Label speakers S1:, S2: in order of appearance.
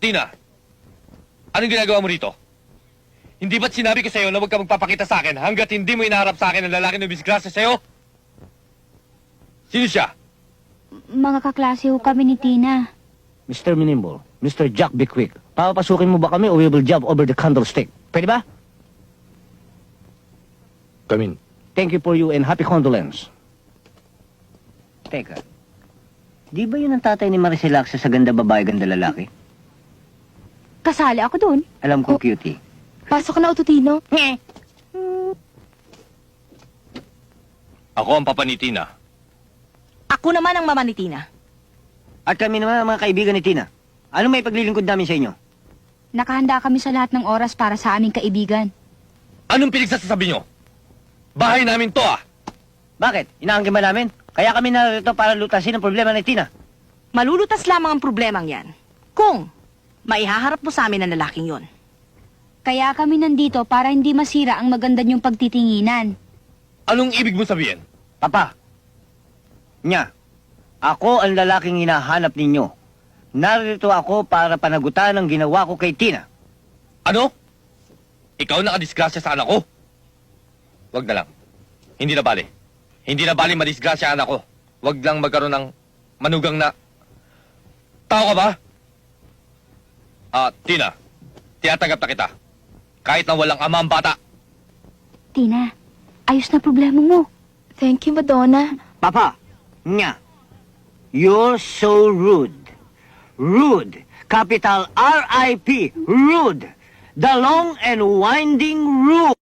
S1: Tina, anong ginagawa mo rito? Hindi ba't sinabi ko sa'yo na huwag ka magpapakita sa akin hanggat hindi mo inaharap sa akin ang lalaki na bisgrasya sa'yo? Sino siya?
S2: Mga kaklase ho kami ni Tina.
S3: Mr. Minimbol, Mr. Jack Bickwick, papapasukin mo ba kami o we will jump over the candlestick? Pwede ba?
S1: Come in.
S3: Thank you for you and happy condolence. Teka, di ba yun ang tatay ni Maricel Axa sa ganda babae, ganda lalaki?
S2: Kasali ako doon.
S3: Alam ko, cutie.
S2: Pasok na, Ututino.
S1: Ako ang papa ni Tina.
S4: Ako naman ang mama ni Tina.
S3: At kami naman ang mga kaibigan ni Tina. Ano may paglilingkod namin sa inyo?
S2: Nakahanda kami sa lahat ng oras para sa aming kaibigan.
S1: Anong pinagsasabi nyo? Bahay namin to ah!
S3: Bakit? Inaangkin ba namin? Kaya kami narito para lutasin ang problema ni Tina.
S4: Malulutas lamang ang problemang yan kung maihaharap mo sa amin ang lalaking yon.
S2: Kaya kami nandito para hindi masira ang maganda niyong pagtitinginan.
S1: Anong ibig mo sabihin?
S3: Papa, ako ang lalaking hinahanap ninyo. Narito ako para panagutan ang ginawa ko kay Tina.
S1: Ano? Ikaw nakadisgrasya sa anak ko? Wag na lang. Hindi na bali. Hindi na bali madisgrasya anak ko. Wag lang magkaroon ng manugang na... Tao ka ba? Tina, tinatanggap na kita. Kahit na walang ama ang bata.
S2: Tina, ayos na problema mo. Thank you, Madonna.
S3: Papa, you're so rude. Rude. Capital R-I-P. Rude. The long and winding road.